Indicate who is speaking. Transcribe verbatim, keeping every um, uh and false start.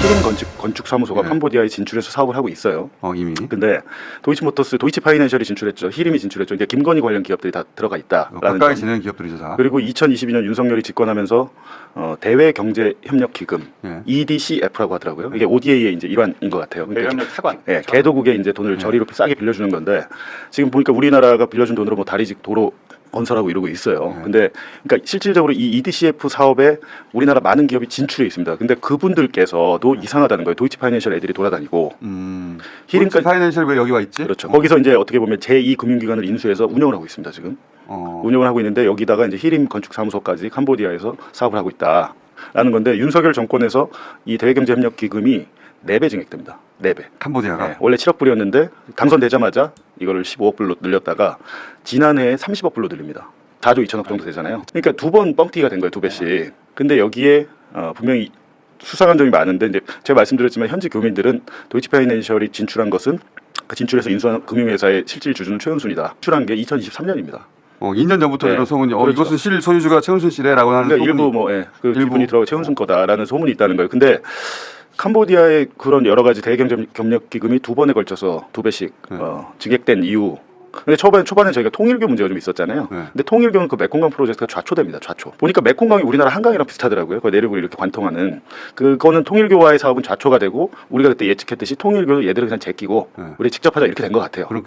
Speaker 1: 히림 건축 건축사무소가
Speaker 2: 네.
Speaker 1: 캄보디아에 진출해서 사업을 하고 있어요.
Speaker 2: 어, 이미.
Speaker 1: 근데 도이치모터스, 도이치파이낸셜이 진출했죠. 히림이 진출했죠. 이제 김건희 관련 기업들이 다 들어가
Speaker 2: 어,
Speaker 1: 있다라는
Speaker 2: 가까이
Speaker 1: 점.
Speaker 2: 지내는 기업들이죠 다.
Speaker 1: 그리고 이천이십이 년 윤석열이 집권하면서 어, 대외경제협력기금
Speaker 2: 예.
Speaker 1: 이디씨에프라고 하더라고요. 이게 오디에이의 이제 일환인 것 같아요. 그러니까
Speaker 3: 대외협력 차관.
Speaker 1: 예, 개도국에 이제 돈을 저리로 싸게 빌려주는 건데 지금 보니까 우리나라가 빌려준 돈으로 뭐 다리직 도로 건설하고 이러고 있어요.
Speaker 2: 네.
Speaker 1: 근데 그러니까 실질적으로 이 이디씨에프 사업에 우리나라 많은 기업이 진출해 있습니다. 근데 그분들께서도 이상하다는 거예요. 도이치파이낸셜 애들이 돌아다니고
Speaker 2: 음.
Speaker 1: 히림까지
Speaker 2: 파이낸셜 왜 여기 와 있지?
Speaker 1: 그렇죠. 거기서 이제 어떻게 보면 제이 금융기관을 인수해서 운영을 하고 있습니다. 지금
Speaker 2: 어.
Speaker 1: 운영을 하고 있는데 여기다가 이제 히림 건축사무소까지 캄보디아에서 사업을 하고 있다라는 건데 윤석열 정권에서 이 대외경제협력기금이 네 배 증액됩니다. 네 배.
Speaker 2: 캄보디아가.
Speaker 1: 네, 원래 칠억 불이었는데 당선되자마자 이거를 십오억 불로 늘렸다가 지난해에 삼십억 불로 늘립니다. 사조 이천억 정도 되잖아요. 그러니까 두 번 뻥튀기가 된 거예요, 두 배씩. 근데 여기에 어, 분명히 수상한 점이 많은데 이제 제가 말씀드렸지만 현지 교민들은 도이치파이낸셜이 진출한 것은 그 진출해서 인수한 금융회사의 실질 주주는 최은순이다. 진출한 게 이천이십삼 년입니다.
Speaker 2: 어, 이 년 전부터
Speaker 1: 네.
Speaker 2: 이런 소문이 어,
Speaker 1: 그렇죠.
Speaker 2: 이것은 실 소유주가 최은순 씨래라고 하는
Speaker 1: 그러니까
Speaker 2: 소문이.
Speaker 1: 일부 뭐 예, 그
Speaker 2: 일부.
Speaker 1: 기분이 들어가 최은순 거다라는 소문이 있다는 거예요. 근데 캄보디아의 그런 여러 가지 대외경제협력 기금이 두 번에 걸쳐서 두 배씩
Speaker 2: 네.
Speaker 1: 어, 증액된 이유. 근데 초반에 초반에 저희가 통일교 문제가 좀 있었잖아요.
Speaker 2: 네.
Speaker 1: 근데 통일교는 그 메콩강 프로젝트가 좌초됩니다. 좌초. 보니까 메콩강이 우리나라 한강이랑 비슷하더라고요. 그 내륙을 이렇게 관통하는. 그거는 통일교와의 사업은 좌초가 되고 우리가 그때 예측했듯이 통일교도 얘들을 그냥 제끼고
Speaker 2: 네.
Speaker 1: 우리 직접 하자 이렇게 된 것 같아요.
Speaker 2: 그럼